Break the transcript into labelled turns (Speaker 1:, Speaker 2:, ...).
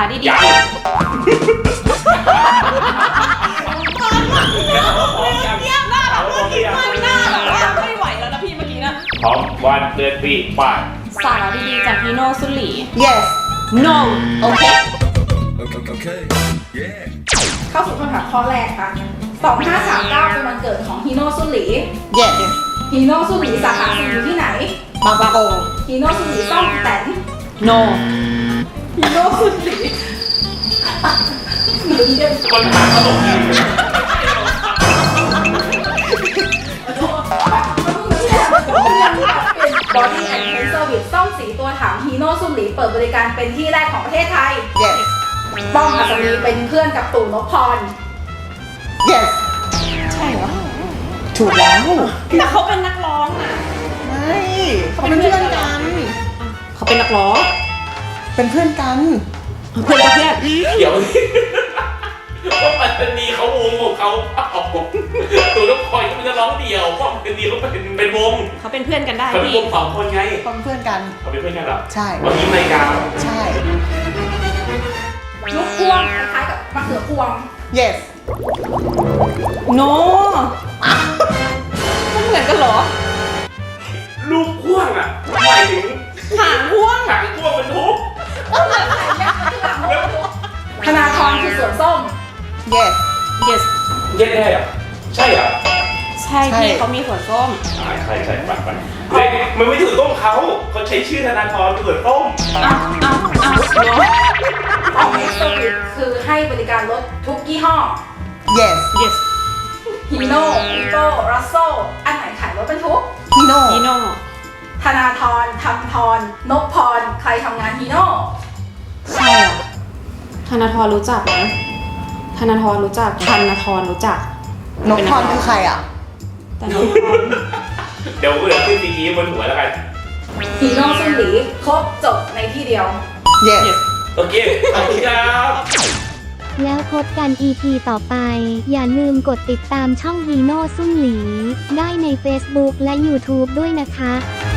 Speaker 1: ดีๆ
Speaker 2: ยัง
Speaker 1: เงียบหน้าแบบเมื่อกี้หน้าแบบว่าไม่ไหวแล้วนะพี่เมื่อกี้นะ
Speaker 2: พร้อมวันเดือนปีป้าย
Speaker 1: สาระดีๆจากฮีโน่ซุนหลี
Speaker 3: yes
Speaker 1: no โอเค
Speaker 4: Okay. Yeah.
Speaker 5: เข้าสู่คำถามข้อแรกค่ะ 2539 เป็นวันเกิดของฮีโน่ซุนหลี
Speaker 3: yes
Speaker 5: ฮีโน่ซุนหลีสาขาสี่อยู่ที่ไหน
Speaker 3: บางประกง
Speaker 5: ฮีโน่ซุนหลีซ่อมแตน
Speaker 1: no
Speaker 5: ฮีโน่ซุนหลีหนูเรียน
Speaker 2: คนถามตลกดี
Speaker 5: บอดี้แอนด์เพนเซอร์วิสซ่อมสีตัวถังฮีโน่ซุนหลีเปิดบริการเป็นที่แรกของประเทศไทย
Speaker 3: yes
Speaker 5: ป้องอัศนีเป็นเพื่อนกับตู่นพพร
Speaker 3: yes
Speaker 1: ใช่เหรอ
Speaker 3: ถูกแล้ว
Speaker 1: แต่เขาเป็นนักร้องนะ
Speaker 3: ไม่เขาเป็นเพื่อนกัน
Speaker 1: เขาเป็นนักร้อง
Speaker 3: เป็นเพื่อนกัน
Speaker 1: เพื่อนกับเพื่อน
Speaker 2: เดี๋ยวว่าปัตตานีเขาวงของเขาตัวน้องคอยก็เป็นนักร้องเดี่ยวเพราะปัตตานีเขาเป็นวง
Speaker 1: เขาเป็นเพื่อนกันได้
Speaker 2: เขาเป็น
Speaker 1: พี่
Speaker 2: วงสองคนไง
Speaker 3: เขาเป็นเพื่อนกัน
Speaker 2: เขาเป็นเพื่อนกันเหรอ
Speaker 3: ใช่
Speaker 2: วันนี้รายการ
Speaker 3: ใช่
Speaker 5: ลูกพวงคล้ายๆกับมะเขือพวง
Speaker 3: yes
Speaker 1: no มันเหมือนกันเหรอ
Speaker 2: ลูกพ่วงอ่ะหมายถึง
Speaker 1: หางพ่วง
Speaker 2: ถังพ่วงบรรทุก
Speaker 5: ธนาธรคือสวนส้ม
Speaker 3: yes
Speaker 1: yes
Speaker 2: เย็ดได้เหรอใช่เหรอ
Speaker 1: ใช่พี่เขามีส่วนส้ม
Speaker 2: ใช่ปัดเฮ้ยมันไม่ถือต้มเขาใช้ชื่อธนาธรถือต้ม
Speaker 1: เนาะ
Speaker 5: ของเอ็กซ์โซลิดคือให้บริการรถทุกยี่ห้อ
Speaker 3: yes
Speaker 1: yes
Speaker 5: ฮีโน่อีโต้รัสโซอันไหนขายรถบรรทุก
Speaker 3: ฮีโน่
Speaker 1: ฮีโน่
Speaker 5: ธนาธรทำธรนพพรใครทำงานฮีโน่
Speaker 1: ใช่เหรอธนาธรรู้จักนะธนาธรรู้จักธนาธรรู้จัก
Speaker 3: นกพรคือใครอ่ะ
Speaker 1: แต่นพพร
Speaker 2: เดี๋ยวขึ้นซีทีบนหัวแล้วกัน
Speaker 5: ฮีโน่ซุนหลีครบจบในที่เดียว
Speaker 3: yes
Speaker 2: โอเคขอบคุณครับ
Speaker 6: แล้วพบกัน EP ต่อไป อย่าลืมกดติดตามช่องฮีโน่ซุ่นหลี ได้ใน Facebook และ YouTube ด้วยนะคะ